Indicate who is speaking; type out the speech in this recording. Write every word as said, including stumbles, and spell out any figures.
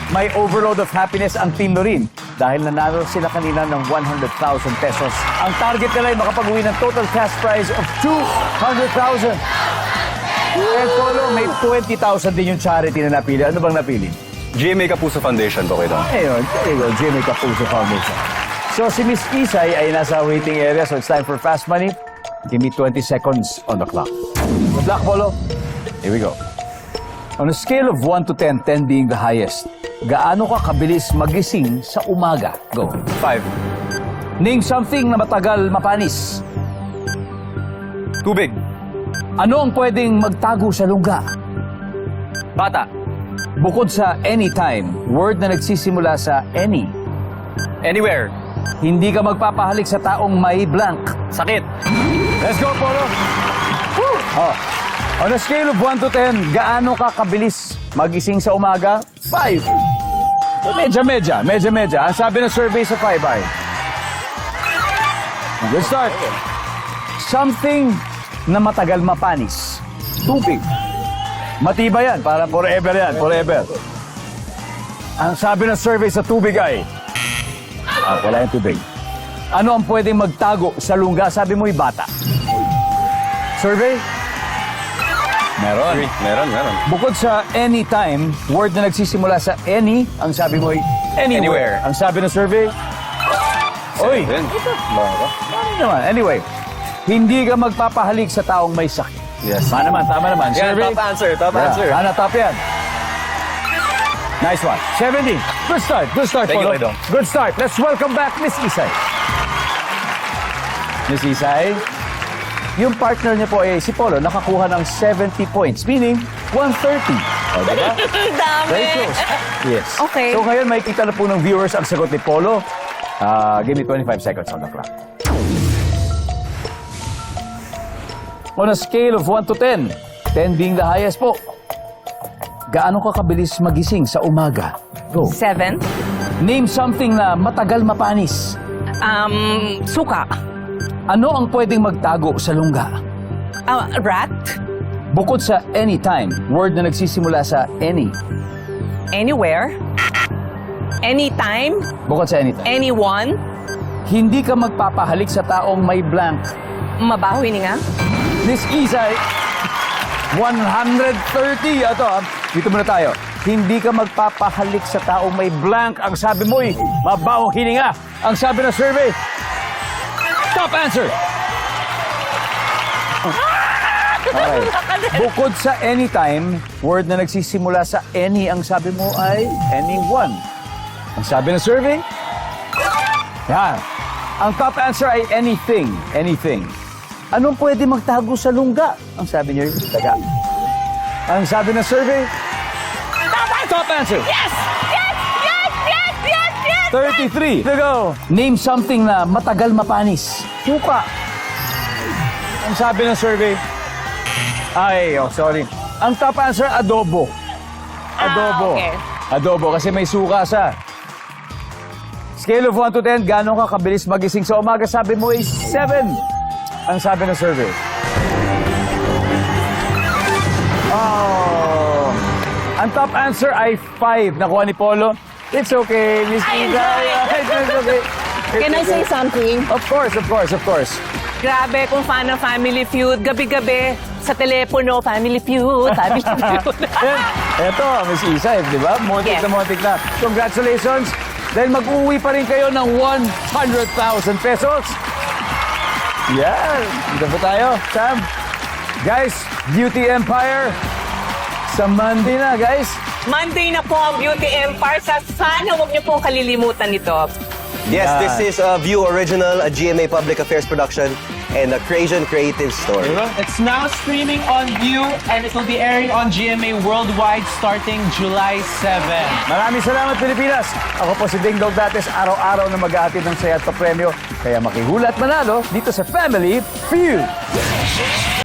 Speaker 1: may overload of happiness ang Team Lorin dahil nanalo sila kanina ng one hundred thousand pesos. Ang target nila ay makapag-uwi ng total cash prize of two hundred thousand. And Polo, may twenty thousand din yung charity na napili. Ano bang napili?
Speaker 2: G M A Kapuso Foundation po kayo.
Speaker 1: Ayun, there you go, G M A Kapuso Foundation. So si Miss Isay ay nasa waiting area, so it's time for Fast Money. Give me twenty seconds on the clock. Good luck, Polo. Here we go. On a scale of one to ten, ten being the highest, gaano ka kabilis magising sa umaga? Go.
Speaker 2: Five.
Speaker 1: Name something na matagal mapanis.
Speaker 2: Tubig.
Speaker 1: Ano ang pwedeng magtago sa lungga?
Speaker 2: Bata.
Speaker 1: Bukod sa anytime, word na nagsisimula sa any.
Speaker 2: Anywhere.
Speaker 1: Hindi ka magpapahalik sa taong may blank.
Speaker 2: Sakit.
Speaker 1: Let's go, Polo! Woo! Oh. On a scale of one to ten, gaano ka kabilis magising sa umaga? Five. Medya-medya, medya-medya. Ang sabi ng survey sa five ay... Good start. Something na matagal mapanis. Tubig. Matibay yan, para forever yan, forever. Ang sabi ng survey sa tubig ay... Ah, wala yung tubig. Ano ang pwedeng magtago sa lungga? Sabi mo'y bata. Survey? Meron.
Speaker 2: Meron, meron.
Speaker 1: Bukod sa anytime, word na nagsisimula sa any, ang sabi mo'y anywhere.
Speaker 2: Anywhere.
Speaker 1: Ang sabi ng survey? Oy!
Speaker 2: Seven.
Speaker 1: Ano naman? Anyway, hindi ka magpapahalik sa taong may sakit.
Speaker 2: Yes.
Speaker 1: Tama naman, tama naman.
Speaker 2: Yan,
Speaker 1: Survey?
Speaker 2: top answer, top
Speaker 1: Yeah.
Speaker 2: answer.
Speaker 1: Ana, top yan. Nice one. seventy. Good start, good start,
Speaker 2: Thank you,
Speaker 1: Polo.
Speaker 2: Idol.
Speaker 1: Good start. Let's welcome back Miss Isay. Miss Isay, yung partner niya po eh, si Polo, nakakuha ng seventy points, meaning one thirty. O, diba?
Speaker 3: Dami.
Speaker 1: Very close. Yes.
Speaker 3: Okay.
Speaker 1: So ngayon, makikita na po ng viewers ang sagot ni Polo. Uh, give me twenty-five seconds on the clock. On a scale of one to ten, ten being the highest po, gaano ka kabilis magising sa umaga? Go.
Speaker 3: Seven.
Speaker 1: Name something na matagal mapanis.
Speaker 3: Um, suka.
Speaker 1: Ano ang pwedeng magtago sa lungga?
Speaker 3: Uh, rat.
Speaker 1: Bukod sa anytime, word na nagsisimula sa any.
Speaker 3: Anywhere. Anytime.
Speaker 1: Bukod sa anytime.
Speaker 3: Anyone.
Speaker 1: Hindi ka magpapahalik sa taong may blank.
Speaker 3: Mabaho ini nga.
Speaker 1: Miss Isay, one hundred thirty. Ito, ah, dito muna tayo. Hindi ka magpapahalik sa taong may blank. Ang sabi mo'y mabawang hininga. Ang sabi ng survey, top answer. Okay. Bukod sa anytime, word na nagsisimula sa any, ang sabi mo ay anyone. Ang sabi ng survey, yan. Ang top answer ay anything. Anything. Anong pwede magtago sa lungga? Ang sabi niyo, daga. Ang sabi ng survey, top answer.
Speaker 3: Yes! Yes! Yes! Yes! Yes! Yes!
Speaker 1: thirty-three. To go. Name something na matagal mapanis. Suka. Ang sabi ng survey, ay, oh, sorry. Ang top answer, adobo. Adobo.
Speaker 3: Ah, okay.
Speaker 1: Adobo, kasi may suka sa. Scale of one to ten, gano'n ka kabilis magising sa umaga? Sabi mo ay seven. Ang sabi ng survey. Oh. Ang top answer ay five. Nakuha ni Polo. It's okay, Miss
Speaker 3: I
Speaker 1: Ida.
Speaker 3: enjoy it.
Speaker 1: It's okay. It's
Speaker 3: Can I say
Speaker 1: okay.
Speaker 3: something?
Speaker 1: Of course, of course, of course.
Speaker 3: Grabe, kung fan ng Family Feud, gabi-gabi sa telepono, Family Feud, Family Feud.
Speaker 1: Yan. Eto, Miss Isa, di ba? Montik
Speaker 3: Yes.
Speaker 1: na montik na. Congratulations. Dahil mag-uwi pa rin kayo ng one hundred thousand pesos. Yan. Dito po tayo, Sam. Guys, Beauty Empire. Sa Monday na, guys.
Speaker 3: Monday na po ang Beauty Empire. Sa sana huwag niyo pong kalilimutan ito.
Speaker 4: Yes,
Speaker 1: Yan.
Speaker 4: this is a View Original, a G M A Public Affairs production, and a Creation Creative Store.
Speaker 5: It's now streaming on View and it will be airing on G M A Worldwide starting July seventh.
Speaker 1: Maraming salamat, Pilipinas. Ako po si Ding Dong Dates, araw-araw na mag-aatid ng saya at papremyo. Kaya makihulat manalo dito sa Family Feud.